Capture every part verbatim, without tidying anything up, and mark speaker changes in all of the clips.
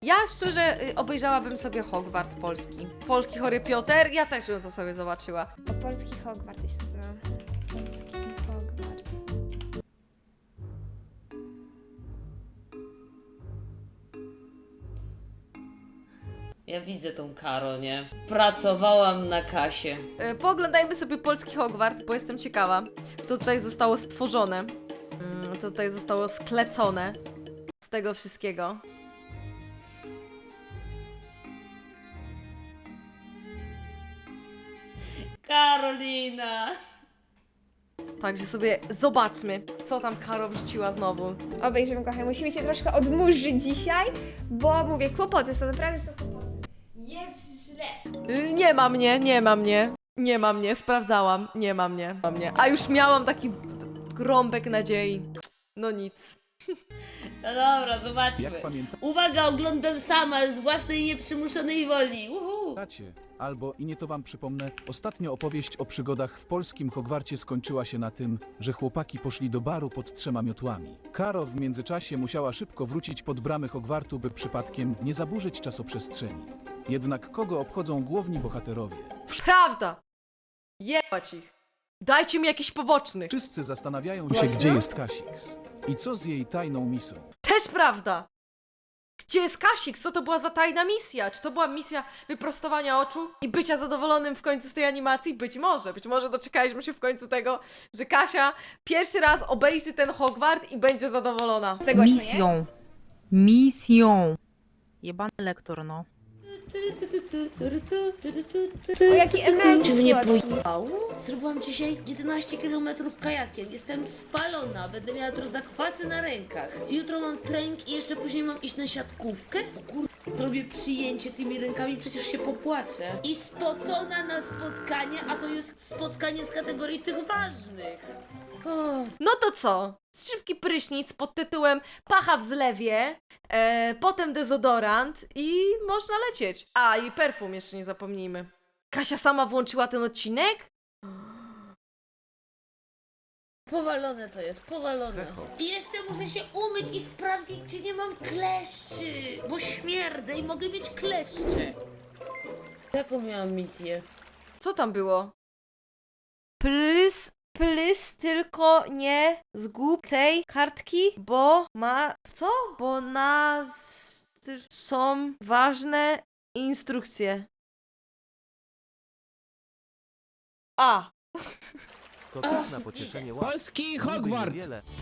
Speaker 1: Ja szczerze y, obejrzałabym sobie Hogwart polski. Polski Harry Potter, ja też bym to sobie zobaczyła.
Speaker 2: O polski Hogwart się nazywa. Polski Hogwart.
Speaker 3: Ja widzę tą Karo, nie? Pracowałam na kasie.
Speaker 1: Y, Pooglądajmy sobie polski Hogwart, bo jestem ciekawa, co tutaj zostało stworzone. Mm, co tutaj zostało sklecone z tego wszystkiego.
Speaker 3: Karolina!
Speaker 1: Także sobie zobaczmy, co tam Karo wrzuciła znowu.
Speaker 2: Obejrzymy, kochani. Musimy się troszkę odmurzyć dzisiaj, bo mówię, kłopoty są, naprawdę są kłopoty. Jest źle.
Speaker 1: Y, Nie ma mnie, nie ma mnie. Nie ma mnie, sprawdzałam. Nie ma mnie. Ma mnie. A już miałam taki rąbek nadziei. No nic.
Speaker 3: No dobra, zobaczmy.
Speaker 4: Jak pamiętacie,
Speaker 3: Uwaga, oglądam sama z własnej nieprzymuszonej woli. Uhu.
Speaker 4: albo i nie to wam przypomnę, ostatnio opowieść o przygodach w polskim Hogwarcie skończyła się na tym, że chłopaki poszli do baru pod trzema miotłami. Karo w międzyczasie musiała szybko wrócić pod bramy Hogwartu, by przypadkiem nie zaburzyć czasoprzestrzeni. Jednak kogo obchodzą główni bohaterowie?
Speaker 1: Prawda! Jebać ich. Dajcie mi jakiś poboczny.
Speaker 4: Wszyscy zastanawiają się,
Speaker 3: Właśnie?
Speaker 4: gdzie jest Kasix i co z jej tajną misją.
Speaker 1: Też prawda! Gdzie jest Kasik? Co to była za tajna misja? Czy to była misja wyprostowania oczu i bycia zadowolonym w końcu z tej animacji? Być może. Być może doczekaliśmy się w końcu tego, że Kasia pierwszy raz obejrzy ten Hogwart i będzie zadowolona.
Speaker 2: Za głośno jest?
Speaker 5: Misją. Misją. Jebany lektor, no.
Speaker 2: O, jaki emeryt
Speaker 3: Czy mnie
Speaker 2: słodki.
Speaker 3: pojebało? Zrobiłam dzisiaj jedenaście kilometrów kajakiem. Jestem spalona. Będę miała tu zakwasy na rękach. Jutro mam trening i jeszcze później mam iść na siatkówkę. Kur... Zrobię przyjęcie tymi rękami, przecież się popłaczę. I spocona na spotkanie, a to jest spotkanie z kategorii tych ważnych. O,
Speaker 1: No to co? Szybki prysznic pod tytułem Pacha w zlewie, e, potem dezodorant i można lecieć. A, i perfum jeszcze nie zapomnijmy. Kasia sama włączyła ten odcinek?
Speaker 3: powalone to jest, powalone. I jeszcze muszę się umyć i sprawdzić, czy nie mam kleszczy, bo śmierdzę i mogę mieć kleszcze. Jaką miałam misję?
Speaker 1: Co tam było? Plus, plus, tylko nie zgub tej kartki, bo ma... Co? Bo na... są ważne instrukcje. A.
Speaker 6: To też na pocieszenie łap.
Speaker 7: Polski Hogwart!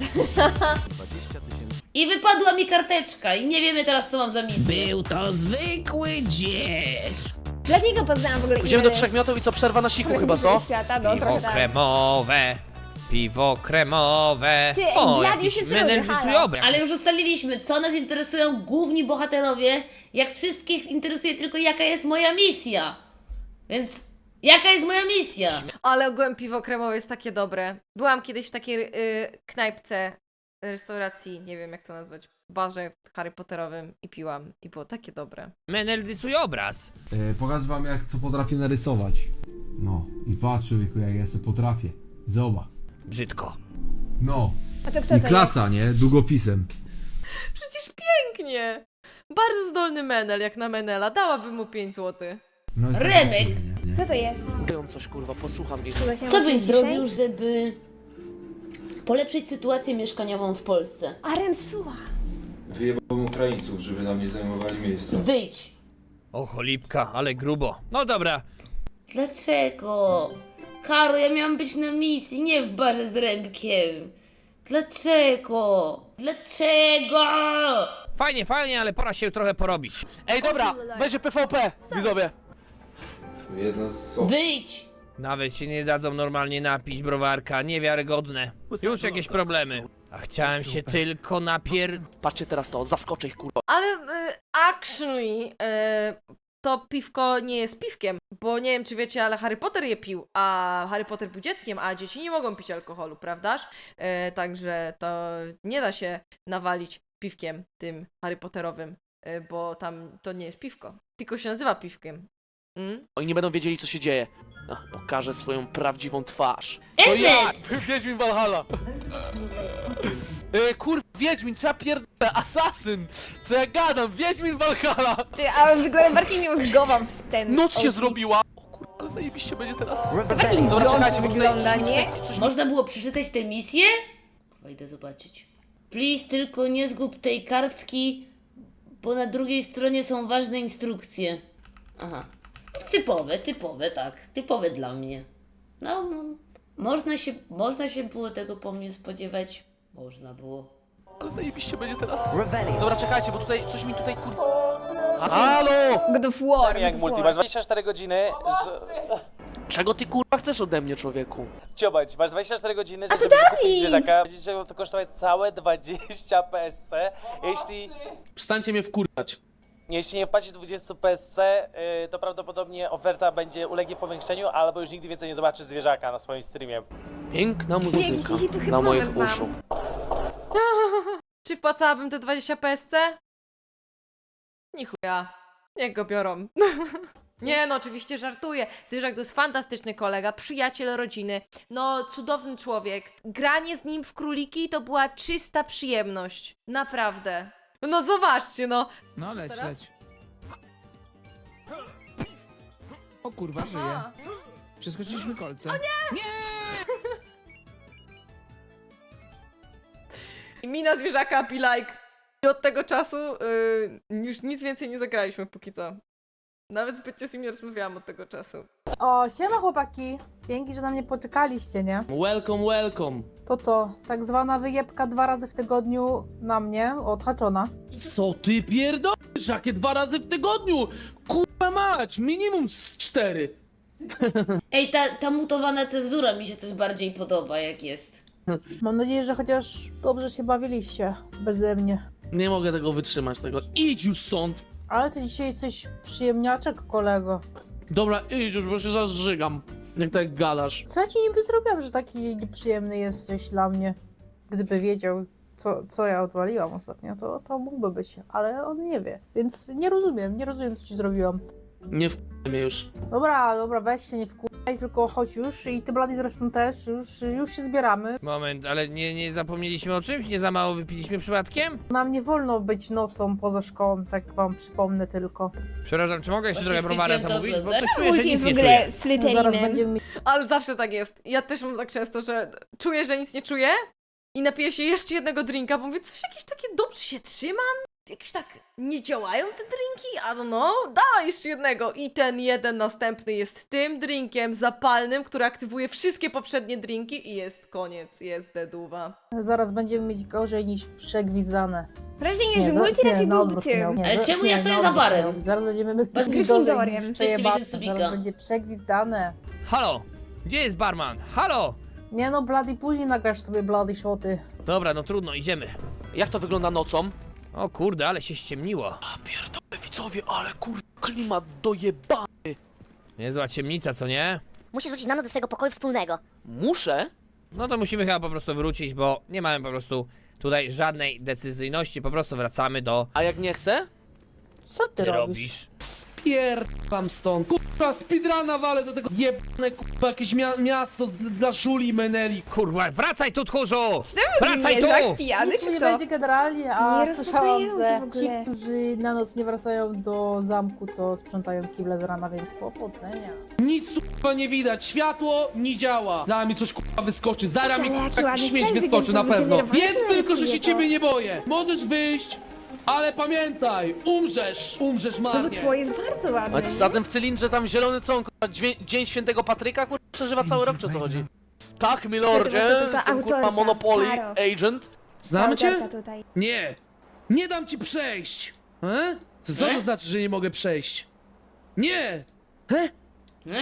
Speaker 6: dwadzieścia tysięcy.
Speaker 3: I wypadła mi karteczka i nie wiemy teraz, co mam za misję.
Speaker 7: Był to zwykły dzień!
Speaker 2: Dlatego poznałam w ogóle
Speaker 8: Idziemy do
Speaker 2: inne
Speaker 8: trzech miotów i co, przerwa na siku
Speaker 2: kolegi
Speaker 8: chyba, co?
Speaker 2: Świata, no,
Speaker 9: Piwo
Speaker 2: trochę tak.
Speaker 9: kremowe, piwo kremowe.
Speaker 2: Ty, ej,
Speaker 9: O,
Speaker 2: Gladiusz
Speaker 9: jakiś
Speaker 2: jest drugi,
Speaker 9: menel
Speaker 2: halo.
Speaker 9: wysujowy.
Speaker 3: Ale już ustaliliśmy, co nas interesują główni bohaterowie, jak wszystkich interesuje tylko jaka jest moja misja. Więc jaka jest moja misja?
Speaker 1: Ale ogółem piwo kremowe jest takie dobre. Byłam kiedyś w takiej y, knajpce, restauracji, nie wiem jak to nazwać, barze Harry Potterowym i piłam. I było takie dobre.
Speaker 9: Menel rysujobraz.
Speaker 10: Yy, pokażę wam jak co potrafię narysować. No i patrz człowieku jak ja sobie potrafię. Zobacz.
Speaker 9: Brzydko.
Speaker 10: No.
Speaker 2: A to kto
Speaker 10: I
Speaker 2: to
Speaker 10: klasa, nie? Długopisem.
Speaker 1: Przecież pięknie! Bardzo zdolny Menel, jak na Menela. Dałabym mu pięć złotych.
Speaker 10: No, jest taki
Speaker 3: Remek.
Speaker 10: cud, nie?
Speaker 2: jest? Kto to jest?
Speaker 8: Mówią coś, kurwa, posłucham ich.
Speaker 2: Kogo się
Speaker 3: Co
Speaker 2: ma
Speaker 3: byś
Speaker 2: dzisiaj?
Speaker 3: zrobił, żeby polepszyć sytuację mieszkaniową w Polsce?
Speaker 2: Aremsuła.
Speaker 11: Wyjebałem Ukraińców, żeby nam nie zajmowali miejsca.
Speaker 3: Wyjdź!
Speaker 9: O, cholipka, ale grubo. No dobra.
Speaker 3: Dlaczego? Karo, ja miałam być na misji, nie w barze z Remkiem. Dlaczego? Dlaczego?
Speaker 9: Fajnie, fajnie, ale pora się trochę porobić.
Speaker 8: Ej, dobra, będzie P V P, widzowie.
Speaker 11: Jedna z osób.
Speaker 3: Wyjdź!
Speaker 9: Nawet się nie dadzą normalnie napić browarka, niewiarygodne. Już jakieś problemy. A chciałem się tylko napier...
Speaker 8: Patrzcie teraz to, zaskoczę ich, kurwa.
Speaker 1: Ale y, actually y, to piwko nie jest piwkiem, bo nie wiem czy wiecie, ale Harry Potter je pił, a Harry Potter był dzieckiem, a dzieci nie mogą pić alkoholu, prawdaż? Y, także to nie da się nawalić piwkiem tym Harry Potterowym, y, bo tam to nie jest piwko, tylko się nazywa piwkiem. Mm?
Speaker 8: Oni nie będą wiedzieli, co się dzieje. Ach, pokażę swoją prawdziwą twarz. To
Speaker 3: Emmet!
Speaker 8: ja, Wiedźmin Valhalla. Yy, kurwa, Wiedźmin, co ja pierdolę, asasyn! Co ja gadam, Wiedźmin Valhalla!
Speaker 2: Ty, a wygląda bardziej miałzgową w ten
Speaker 8: Noc się
Speaker 2: outfit.
Speaker 8: zrobiła! O kurwa, ale zajebiście będzie teraz.
Speaker 2: Bardziej
Speaker 8: Dobra,
Speaker 2: brąz
Speaker 8: czekajcie, bo tutaj
Speaker 2: wygląda,
Speaker 8: coś mi
Speaker 2: nie?
Speaker 8: tutaj- coś mi-
Speaker 3: Można było przeczytać tę misję? Kurwa, idę zobaczyć. Please, tylko nie zgub tej kartki, bo na drugiej stronie są ważne instrukcje. Aha. Typowe, typowe, tak. Typowe dla mnie. No, no. Można się, można się było tego po mnie spodziewać. Można było.
Speaker 8: Ale zajebiście będzie teraz. Dobra, czekajcie, bo tutaj coś mi tutaj kurwa... Halo!
Speaker 2: God of War.
Speaker 12: Jak
Speaker 2: God of
Speaker 12: multi,
Speaker 2: War.
Speaker 12: masz dwadzieścia cztery godziny, że...
Speaker 8: Czego ty kurwa chcesz ode mnie, człowieku?
Speaker 12: Ciobać, masz dwadzieścia cztery godziny,
Speaker 2: A to
Speaker 12: żeby kupić
Speaker 2: Dawid!
Speaker 12: zwierzaka. Będzie to kosztować całe dwadzieścia P S C. Jeśli,
Speaker 8: Przestańcie mnie wkurwać.
Speaker 12: jeśli nie wpłacisz dwadzieścia P S C, yy, to prawdopodobnie oferta będzie ulegnie powiększeniu, albo już nigdy więcej nie zobaczysz zwierzaka na swoim streamie.
Speaker 8: Piękna muzyka
Speaker 2: dzisiaj tu chyba
Speaker 8: na moich
Speaker 2: moment mam.
Speaker 8: uszu.
Speaker 1: Czy wpłacałabym te dwadzieścia P S C? Nie chuja. Niech go biorą. Nie no, oczywiście żartuję. Zwierzak to jest fantastyczny kolega, przyjaciel rodziny, no cudowny człowiek. Granie z nim w króliki to była czysta przyjemność. Naprawdę. No zobaczcie, no.
Speaker 7: No leć,
Speaker 1: Teraz?
Speaker 7: leć. O kurwa, żyje. Przeskoczyliśmy kolce. O nie!
Speaker 1: I mina zwierzaka be like. I od tego czasu y, już nic więcej nie zagraliśmy póki co. Nawet zbytnio z nim nie rozmawiałam od tego czasu.
Speaker 5: O, siema chłopaki. Dzięki, że na mnie poczekaliście, nie?
Speaker 9: Welcome, welcome.
Speaker 5: To co, tak zwana wyjebka dwa razy w tygodniu na mnie, odhaczona.
Speaker 9: Co ty pierdolisz? Jakie dwa razy w tygodniu? Kurwa mać, minimum z cztery.
Speaker 3: Ej, ta, ta mutowana cenzura mi się też bardziej podoba, jak jest.
Speaker 5: Mam nadzieję, że chociaż dobrze się bawiliście beze mnie.
Speaker 8: Nie mogę tego wytrzymać, tego. Idź już stąd!
Speaker 5: Ale ty dzisiaj jesteś przyjemniaczek, kolego.
Speaker 8: Dobra, idź już, bo się zażygam. Jak tak gadasz.
Speaker 5: Co ja ci niby zrobiłam, że taki nieprzyjemny jesteś dla mnie? Gdyby wiedział, co, co ja odwaliłam ostatnio, to, to mógłby być, ale on nie wie. Więc nie rozumiem, nie rozumiem, co ci zrobiłam.
Speaker 8: Nie w mnie już.
Speaker 5: Dobra, dobra, weź się, nie wkuraj, tylko chodź już i ty, Blady, zresztą też, już, już się zbieramy.
Speaker 9: Moment, ale nie, nie zapomnieliśmy o czymś? Nie za mało wypiliśmy przypadkiem?
Speaker 5: Nam nie wolno być nocą poza szkołą, tak wam przypomnę tylko.
Speaker 9: Przepraszam, czy mogę jeszcze
Speaker 3: Właśnie
Speaker 9: trochę browara
Speaker 3: skończyłem to
Speaker 9: zamówić? Bo
Speaker 3: oglądać.
Speaker 9: coś czuję, że
Speaker 2: Multi
Speaker 9: nic
Speaker 2: jest w
Speaker 9: nie
Speaker 2: ogóle
Speaker 9: czuję.
Speaker 2: Slytherinem.
Speaker 5: Zaraz będziemy mieć
Speaker 1: Ale zawsze tak jest. Ja też mam tak często, że czuję, że nic nie czuję i napiję się jeszcze jednego drinka, bo mówię, coś jakieś takie dobrze się trzymam? Jakieś tak nie działają te drinki? A no, dawaj jeszcze jednego. I ten jeden następny jest tym drinkiem zapalnym, który aktywuje wszystkie poprzednie drinki i jest koniec, jest deduwa.
Speaker 5: Zaraz będziemy mieć gorzej niż przegwizdane.
Speaker 2: Wrażenie, że
Speaker 5: za-
Speaker 2: multi raczej
Speaker 5: na
Speaker 2: był
Speaker 5: odwrót miał.
Speaker 2: tym.
Speaker 5: Nie,
Speaker 3: Ale
Speaker 5: za-
Speaker 3: czemu
Speaker 5: nie,
Speaker 3: ja
Speaker 5: na
Speaker 3: stoję za
Speaker 5: odwrót
Speaker 3: barem?
Speaker 5: miał. Zaraz będziemy mieć
Speaker 2: Masz
Speaker 5: gorzej
Speaker 2: Gryffindorem.
Speaker 5: niż
Speaker 2: Cześć,
Speaker 5: przejebane.
Speaker 3: miesiąc Subika.
Speaker 5: Zaraz będzie przegwizdane.
Speaker 9: Halo, gdzie jest barman? Halo!
Speaker 5: Nie no, Bloody, później nagrasz sobie Bloody shoty.
Speaker 9: Dobra, no trudno, idziemy.
Speaker 8: Jak to wygląda nocą?
Speaker 9: O kurde, ale się ściemniło.
Speaker 8: A pierdolę, widzowie, ale kurde, klimat dojeba.
Speaker 9: Niezła ciemnica, co nie?
Speaker 13: Musisz wrócić na noc do swojego pokoju wspólnego.
Speaker 8: Muszę?
Speaker 9: No to musimy chyba po prostu wrócić, bo nie mamy po prostu tutaj żadnej decyzyjności, po prostu wracamy do...
Speaker 8: A jak nie chcę?
Speaker 5: Co ty,
Speaker 9: Ty
Speaker 5: robisz?
Speaker 9: robisz?
Speaker 10: Spierdam stąd. Kurwa, speedruna walę do tego jebane, kurwa, jakieś mia miasto z- dla żuli meneli.
Speaker 9: Kurwa, wracaj tu, tchórzu!
Speaker 2: Wracaj
Speaker 9: Wracaj
Speaker 2: Zwierzak
Speaker 9: tu!
Speaker 2: pijany,
Speaker 5: Nic
Speaker 2: czy
Speaker 5: mu nie
Speaker 2: kto?
Speaker 5: będzie generalnie, a
Speaker 2: Nie
Speaker 5: słyszałam,
Speaker 2: rozmawiający w
Speaker 5: że ci,
Speaker 2: ogóle.
Speaker 5: którzy na noc nie wracają do zamku, to sprzątają kible z rana, więc powodzenia.
Speaker 10: Nic tu kurwa nie widać, światło nie działa. Za mi coś kurwa wyskoczy, zara mi
Speaker 2: Ale jaki
Speaker 10: taki
Speaker 2: ładny
Speaker 10: śmieć
Speaker 2: sen
Speaker 10: wyskoczy na pewno.
Speaker 2: wygenerowany
Speaker 10: Więc
Speaker 2: sen
Speaker 10: tylko, że się
Speaker 2: sobie to.
Speaker 10: ciebie nie boję. Możesz wyjść, ale pamiętaj, umrzesz, umrzesz
Speaker 2: No bo
Speaker 10: marnie.
Speaker 2: twoje jest bardzo ładne.
Speaker 8: A
Speaker 2: nie?
Speaker 8: zatem w cylindrze tam zielony co on, kurwa, dźwię- Dzień Świętego Patryka, kurwa, przeżywa cały rok, czy o co chodzi? Tak, milordzie,
Speaker 2: To to ta
Speaker 8: jestem kurwa
Speaker 2: autorka,
Speaker 8: Monopoly
Speaker 2: Karo.
Speaker 8: Agent.
Speaker 10: Znamy cię?
Speaker 2: Autorka tutaj.
Speaker 10: Nie, nie dam ci przejść. E? Co
Speaker 8: Nie?
Speaker 10: to znaczy, że nie mogę przejść? Nie! E?
Speaker 3: Nie?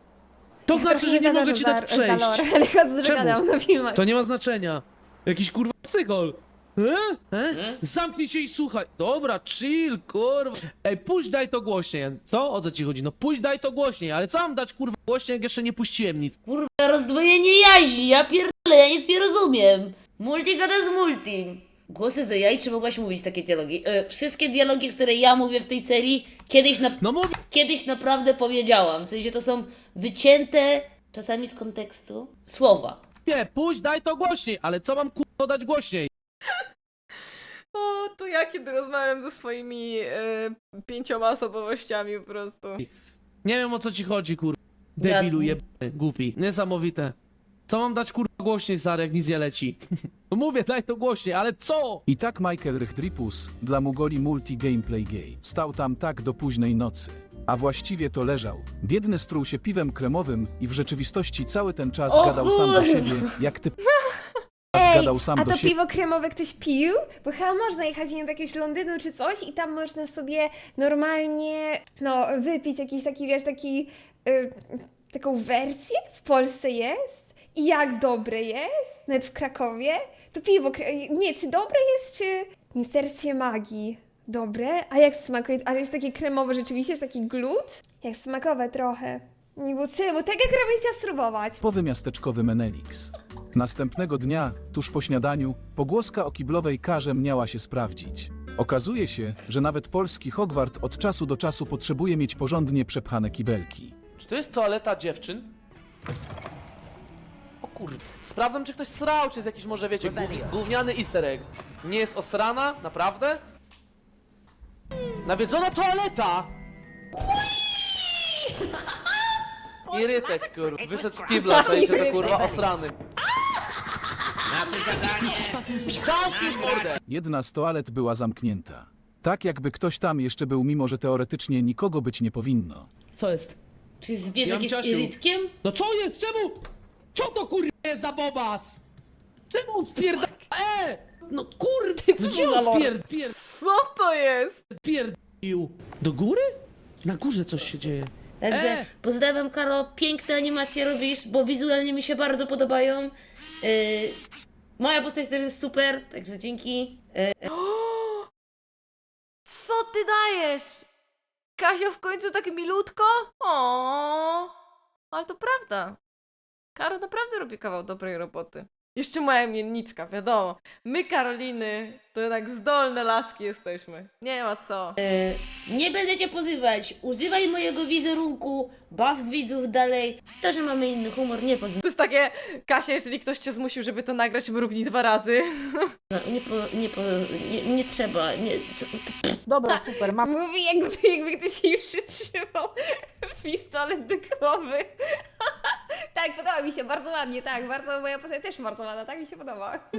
Speaker 10: To znaczy, że nie mogę ci dać przejść.
Speaker 2: Ale chyba
Speaker 10: Czemu?
Speaker 2: zgadam na filmach.
Speaker 10: To nie ma znaczenia. Jakiś kurwa psychol. E? E?
Speaker 3: Nie?
Speaker 10: Zamknij się i słuchaj. Dobra, chill, kurwa. Ej, puść daj to głośniej. Co? O co ci chodzi? No puść daj to głośniej, ale co mam dać kurwa głośniej, jak jeszcze nie puściłem nic?
Speaker 3: Kurwa, rozdwojenie jaźni, ja pierdolę, ja nic nie rozumiem. Multi gada z multim. Głosy za jaj, czy mogłaś mówić takie dialogi? E, wszystkie dialogi, które ja mówię w tej serii, kiedyś, na,
Speaker 10: No mówię.
Speaker 3: kiedyś naprawdę powiedziałam. W sensie to są wycięte, czasami z kontekstu, słowa.
Speaker 10: Nie, puść daj to głośniej, ale co mam kurwa dać głośniej?
Speaker 1: To ja, kiedy rozmawiam ze swoimi e, pięcioma osobowościami po prostu.
Speaker 10: Nie wiem o co ci chodzi, kurwa. Debilu jebany, głupi. Niesamowite. Co mam dać kurwa głośniej, stary, jak nic nie leci? No mówię, daj to głośniej, ale co?
Speaker 4: I tak Michael Rychdripus dla Mugoli Multi Gameplay Gay stał tam tak do późnej nocy. A właściwie to leżał. Biedny struł się piwem kremowym i w rzeczywistości cały ten czas
Speaker 2: O
Speaker 4: gadał sam do
Speaker 2: kurwa.
Speaker 4: siebie, jak ty
Speaker 2: Ej,
Speaker 4: gadał sam
Speaker 2: a
Speaker 4: do
Speaker 2: to
Speaker 4: siebie.
Speaker 2: piwo kremowe ktoś pił? Bo chyba można jechać, nie wiem, do jakiegoś Londynu czy coś i tam można sobie normalnie, no, wypić jakiś taki, wiesz, taki, y, taką wersję. W Polsce jest. I jak dobre jest, nawet w Krakowie. To piwo, kre- nie, czy dobre jest, czy w Ministerstwie Magii dobre? A jak smakuje? Ale jest takie kremowe rzeczywiście, jest taki glut? Jak smakowe trochę. Nie, bo, czy, bo tego kremu chciała spróbować.
Speaker 4: Typowy miasteczkowy Menelix. Następnego dnia, tuż po śniadaniu, pogłoska o kiblowej karze miała się sprawdzić. Okazuje się, że nawet polski Hogwart od czasu do czasu potrzebuje mieć porządnie przepchane kibelki.
Speaker 8: Czy to jest toaleta dziewczyn? O kurde. Sprawdzam, czy ktoś srał, czy jest jakiś może, wiecie, gów- gówniany easter egg. Nie jest osrana? Naprawdę? Nawiedzona toaleta! Irytek, kurwa. Wyszedł z kibla, czajcie, to kurwa osrany. Zamknij mordę!
Speaker 4: Jedna z toalet była zamknięta. Tak jakby ktoś tam jeszcze był, mimo że teoretycznie nikogo być nie powinno.
Speaker 10: Co jest?
Speaker 3: Czy zwierzak
Speaker 10: Jan
Speaker 3: jest
Speaker 10: Ciasiu.
Speaker 3: irytkiem?
Speaker 10: No co jest? Czemu? Co to kurwa jest za bobas? Czemu on spierda... E! No kurde, no gdzie on spierd... pierd...
Speaker 1: Co to jest?
Speaker 10: pierdził? Do góry? Na górze coś się dzieje.
Speaker 3: Także
Speaker 10: E!
Speaker 3: pozdrawiam, Karo, piękne animacje robisz, bo wizualnie mi się bardzo podobają. Yy, moja postać też jest super, także dzięki. Yy,
Speaker 1: Co ty dajesz? Kasio w końcu tak milutko? O, ale to prawda. Karo naprawdę robi kawał dobrej roboty. Jeszcze moja mienniczka, wiadomo. My, Karoliny, to jednak zdolne laski jesteśmy. Nie ma co.
Speaker 3: nie będę cię pozywać, używaj mojego wizerunku, baw widzów dalej. To, że mamy inny humor, nie pozywa.
Speaker 1: To jest takie, Kasia, jeżeli ktoś cię zmusił, żeby to nagrać, mrugnij dwa razy.
Speaker 3: Nie, po, nie, po, nie, nie trzeba, nie... co-
Speaker 5: Dobra, super, mam
Speaker 2: Mówi, jakby, jakby ktoś jej przytrzymał pistolet do głowy. Tak, podoba mi się, bardzo ładnie, tak, bardzo, moja postać też bardzo ładna, tak mi się podoba.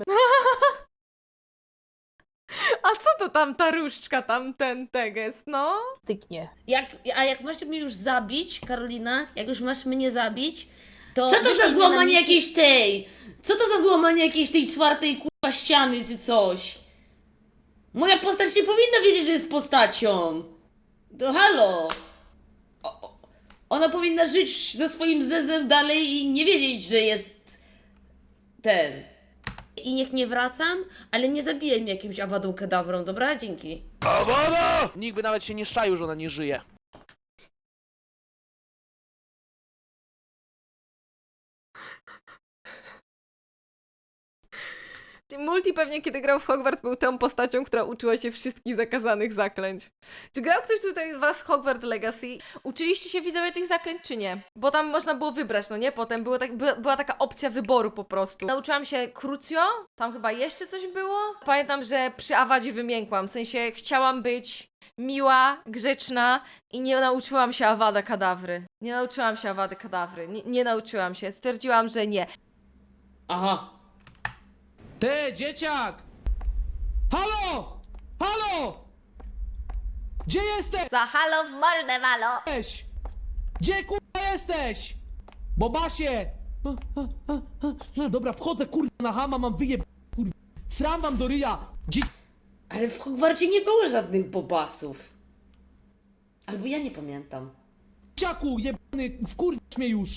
Speaker 1: A co to tam ta różdżka, tam ten teges, no?
Speaker 5: tyknie.
Speaker 3: Jak, a jak masz mnie już zabić, Karolina, jak już masz mnie zabić, to...
Speaker 14: Co to
Speaker 3: wyślij
Speaker 14: za
Speaker 3: mnie
Speaker 14: złamanie
Speaker 3: na misję-
Speaker 14: jakiejś tej? Co to za złamanie jakiejś tej czwartej kurwa ściany czy coś? Moja postać nie powinna wiedzieć, że jest postacią. To halo. O, o, ona powinna żyć ze swoim zezem dalej i nie wiedzieć, że jest ten.
Speaker 3: I niech nie wracam, ale nie zabijaj mnie jakimś awadą kedawrą, dobra? Dzięki.
Speaker 8: Nikt by nawet się nie szczaił, że ona nie żyje.
Speaker 1: Czyli Multi pewnie, kiedy grał w Hogwart, był tą postacią, która uczyła się wszystkich zakazanych zaklęć. Czy grał ktoś tutaj z was Hogwart Legacy? Uczyliście się widzowie tych zaklęć, czy nie? Bo tam można było wybrać, no nie? Potem było tak, by, była taka opcja wyboru po prostu. Nauczyłam się Crucio, tam chyba jeszcze coś było. Pamiętam, że przy Awadzie wymiękłam, w sensie chciałam być miła, grzeczna i nie nauczyłam się Awada Kadawry. Nie nauczyłam się Awady Kadawry, nie, nie nauczyłam się, stwierdziłam, że nie.
Speaker 14: Aha.
Speaker 10: Ty, dzieciak! Halo! Halo! Gdzie jesteś?
Speaker 13: Za halo w mordę, walo!
Speaker 10: Gdzie kurwa jesteś? Bobasie! A, a, a, a. No dobra, wchodzę kurwa na hama, mam wyjeb... kurwa. Sram wam do ryja! Dzie...
Speaker 14: Ale w Hogwarcie nie było żadnych bobasów. Albo ja nie pamiętam.
Speaker 10: Dzieciaku, jebany, wkurwisz mnie już!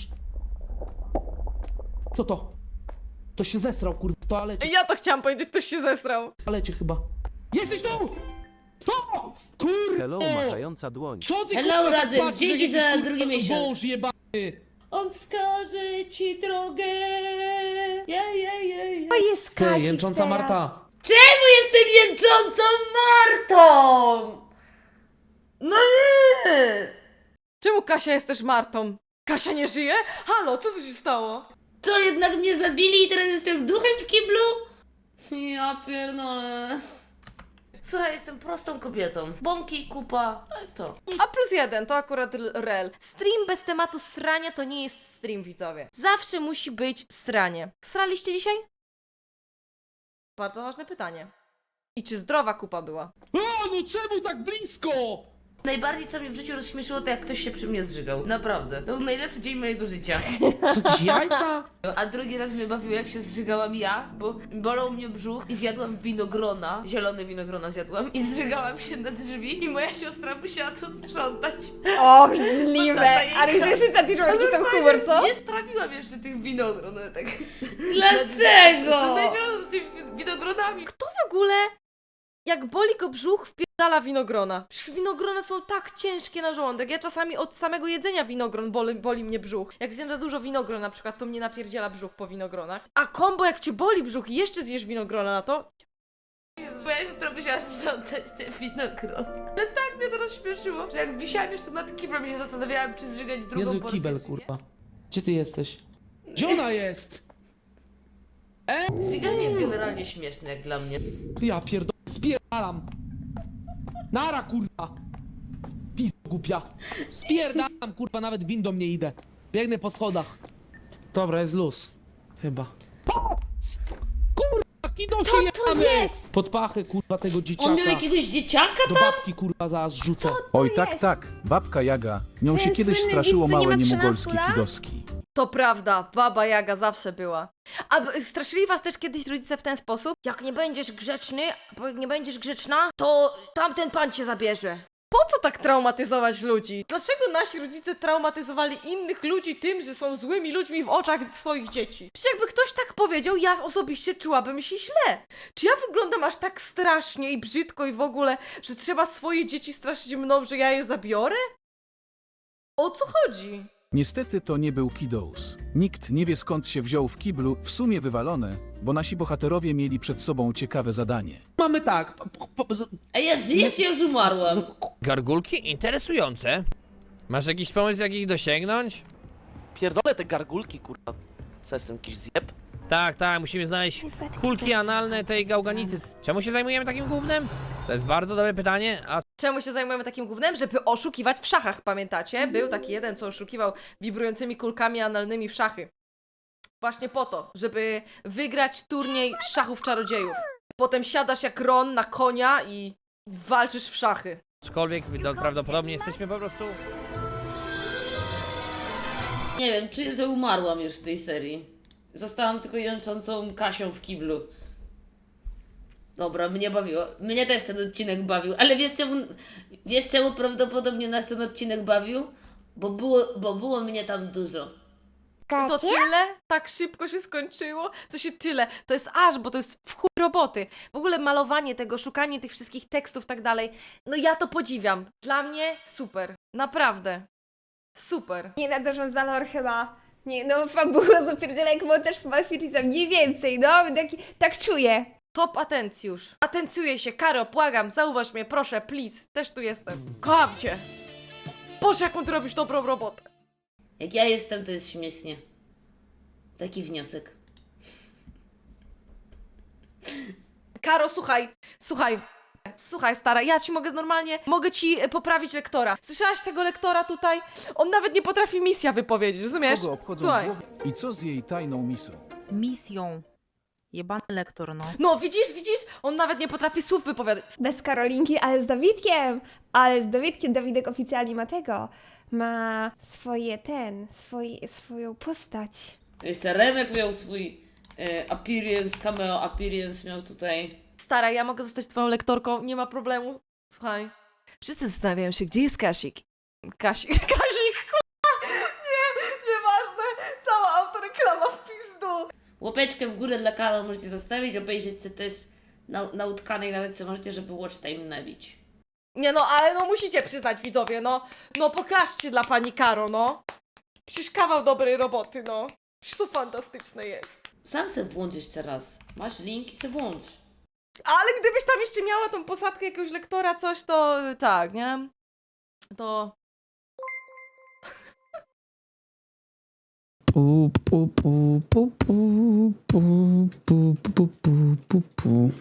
Speaker 10: Co to? To się zesrał kurwa w toalecie,
Speaker 1: Ja to chciałam powiedzieć, że ktoś się zesrał.
Speaker 10: w toalecie chyba. Jesteś tu! To! Kurwa!
Speaker 6: Hello, machająca dłoń.
Speaker 10: Co ty
Speaker 14: Hello,
Speaker 10: kurwa, tak
Speaker 14: Razem,
Speaker 10: patrzysz,
Speaker 14: dzięki
Speaker 10: jak jakiś,
Speaker 14: za
Speaker 10: kurwa,
Speaker 14: drugi miesiąc.
Speaker 10: Wąż jebany!
Speaker 14: On wskaże ci drogę. Ja, ja, ja, ja.
Speaker 2: To jest
Speaker 10: Ty,
Speaker 2: Kasik
Speaker 10: jęcząca
Speaker 2: teraz.
Speaker 10: Marta!
Speaker 14: Czemu jestem jęczącą Martą? No nie!
Speaker 1: Czemu Kasia jest też Martą? Kasia nie żyje? Halo, co tu się stało?
Speaker 14: Co, jednak mnie zabili i teraz jestem duchem w kiblu? Ja pierdolę. Słuchaj, jestem prostą kobietą. Bąki, kupa, to jest to.
Speaker 1: A plus jeden, to akurat l- rel. Stream bez tematu srania to nie jest stream, widzowie. Zawsze musi być sranie. Sraliście dzisiaj? Bardzo ważne pytanie. I czy zdrowa kupa była?
Speaker 10: A, no czemu tak blisko?
Speaker 14: Najbardziej co mnie w życiu rozśmieszyło, to jak ktoś się przy mnie zżygał. Naprawdę. To był najlepszy dzień mojego życia.
Speaker 10: Są jakieś jajca?
Speaker 14: A drugi raz mnie bawiło, jak się zżygałam ja, bo bolał mnie brzuch i zjadłam winogrona, zielone winogrona zjadłam i zżygałam się na drzwi i moja siostra musiała to sprzątać.
Speaker 2: O, brzydliwe.
Speaker 14: Tata jej
Speaker 2: Ale wiesz, że takie członki są humor, co?
Speaker 14: Nie strawiłam jeszcze tych winogron, ale tak...
Speaker 2: Dlaczego?
Speaker 14: Znaleziono tymi winogronami.
Speaker 1: Kto w ogóle, jak boli go brzuch, wpierdala winogrona? Przecież winogrona są tak ciężkie na żołądek. Ja czasami od samego jedzenia winogron boli, boli mnie brzuch. Jak zjem za dużo winogron na przykład, to mnie napierdziela brzuch po winogronach. A kombo, jak cię boli brzuch i jeszcze zjesz winogrona na to,
Speaker 14: Jezu, moja siostra musiała sprzątać te winogrona. Ale tak mnie to rozśmieszyło, że jak wisiałam jeszcze nad kiblem i się zastanawiałam, czy zżygać drugą
Speaker 10: Jezu,
Speaker 14: porcję,
Speaker 10: kibel,
Speaker 14: czy nie.
Speaker 10: kurwa. Gdzie ty jesteś? Gdzie ona jest?
Speaker 14: Żyganie jest generalnie śmieszne jak dla mnie.
Speaker 10: Ja pierdolę, spierdalam. Nara, kurwa. Pizdo głupia. Spierdalam, kurwa, nawet windą nie idę. Biegnę po schodach. Dobra, jest luz. Chyba. Kurwa, kidą się jemy! Pod pachę, kurwa, tego dzieciaka.
Speaker 14: On miał jakiegoś dzieciaka
Speaker 10: Do
Speaker 14: tam?
Speaker 10: babki, kurwa, zaraz rzucę.
Speaker 4: Oj tak, tak, babka Jaga. Nią się
Speaker 2: Ten
Speaker 4: kiedyś
Speaker 2: słynny
Speaker 4: straszyło
Speaker 2: widz, co nie
Speaker 4: małe
Speaker 2: ma
Speaker 4: niemugolskie
Speaker 2: trzynastu lat?
Speaker 4: kidoski.
Speaker 1: to prawda, baba Jaga zawsze była. A b- straszyli was też kiedyś rodzice w ten sposób? Jak nie będziesz grzeczny, bo jak nie będziesz grzeczna, to tamten pan cię zabierze. Po co tak traumatyzować ludzi? Dlaczego nasi rodzice traumatyzowali innych ludzi tym, że są złymi ludźmi w oczach swoich dzieci? Przecież jakby ktoś tak powiedział, ja osobiście czułabym się źle. Czy ja wyglądam aż tak strasznie i brzydko i w ogóle, że trzeba swoje dzieci straszyć mną, że ja je zabiorę? O co chodzi?
Speaker 4: Niestety to nie był Kidous. Nikt nie wie skąd się wziął w kiblu, w sumie wywalone, bo nasi bohaterowie mieli przed sobą ciekawe zadanie.
Speaker 10: Mamy tak. po- po- z-
Speaker 14: A ja zjeść, ja już umarłam.
Speaker 9: Gargulki? Interesujące. Masz jakiś pomysł, jak ich dosięgnąć?
Speaker 8: Pierdolę te gargulki, kurwa. Co jestem, jakiś zjeb?
Speaker 9: Tak, tak, musimy znaleźć kulki analne tej gałganicy. Czemu się zajmujemy takim gównem? To jest bardzo dobre pytanie, a
Speaker 1: Czemu się zajmujemy takim gównem? Żeby oszukiwać w szachach, pamiętacie? Był taki jeden, co oszukiwał wibrującymi kulkami analnymi w szachy. Właśnie po to, żeby wygrać turniej szachów czarodziejów. Potem siadasz jak Ron na konia i walczysz w szachy.
Speaker 9: aczkolwiek to prawdopodobnie jesteśmy po prostu...
Speaker 14: Nie wiem, czuję, że umarłam już w tej serii. Zostałam tylko jęczącą Kasią w kiblu. Dobra, mnie bawiło. Mnie też ten odcinek bawił. Ale wiesz czemu, wiesz czemu prawdopodobnie nas ten odcinek bawił? Bo było, bo było mnie tam dużo.
Speaker 1: To tyle? Tak szybko się skończyło? Co się tyle? To jest aż, bo to jest w chuj roboty. W ogóle malowanie tego, szukanie tych wszystkich tekstów, tak dalej. No ja to podziwiam. Dla mnie super. Naprawdę. Super.
Speaker 2: Nie nadążą za lore chyba. Nie, no fabuła zapierdziela jak montaż w Malfiriza, mniej więcej, no, tak, tak czuję.
Speaker 1: Top atencjusz. Atencjuję się. Karo, błagam, zauważ mnie, proszę, please. Też tu jestem. Kocham cię. Boże, jaką ty robisz dobrą robotę.
Speaker 14: Jak ja jestem, to jest śmiesznie. Taki wniosek.
Speaker 1: Karo, słuchaj, słuchaj. Słuchaj, stara, ja ci mogę normalnie, mogę ci e, poprawić lektora. Słyszałaś tego lektora tutaj? On nawet nie potrafi misja wypowiedzieć, rozumiesz?
Speaker 4: Kogo obchodzą
Speaker 1: Słuchaj.
Speaker 4: głowy? I co z jej tajną misją?
Speaker 5: Misją. Jebany lektor, no.
Speaker 1: No, widzisz, widzisz? On nawet nie potrafi słów wypowiadać.
Speaker 2: Bez Karolinki, ale z Dawidkiem. Ale z Dawidkiem, Dawidek oficjalnie ma tego. Ma swoje ten, swoje, swoją postać.
Speaker 14: Jeszcze Remek miał swój e, appearance, cameo appearance miał tutaj.
Speaker 1: Stara, ja mogę zostać twoją lektorką, nie ma problemu. Słuchaj. Wszyscy zastanawiają się, gdzie jest Kasik. Kasik, Kasik, kurwa! Nie, nieważne. Cała autoreklama w pizdu.
Speaker 14: Łapeczkę w górę dla Karol możecie zostawić, obejrzeć sobie też na, na utkanej, nawet sobie możecie, żeby watch time nabić.
Speaker 1: Nie no, ale no musicie przyznać, widzowie, no. No pokażcie dla pani Karo, no. Przecież kawał dobrej roboty, no. Przecież to fantastyczne jest.
Speaker 14: Sam se włącz jeszcze raz. Masz link i se włącz.
Speaker 1: Ale gdybyś tam jeszcze miała tą posadkę jakiegoś lektora, coś, to tak, nie? To...
Speaker 7: Pu, pu, pu, pu, pu, pu, pu, pu, pu, pu, pu.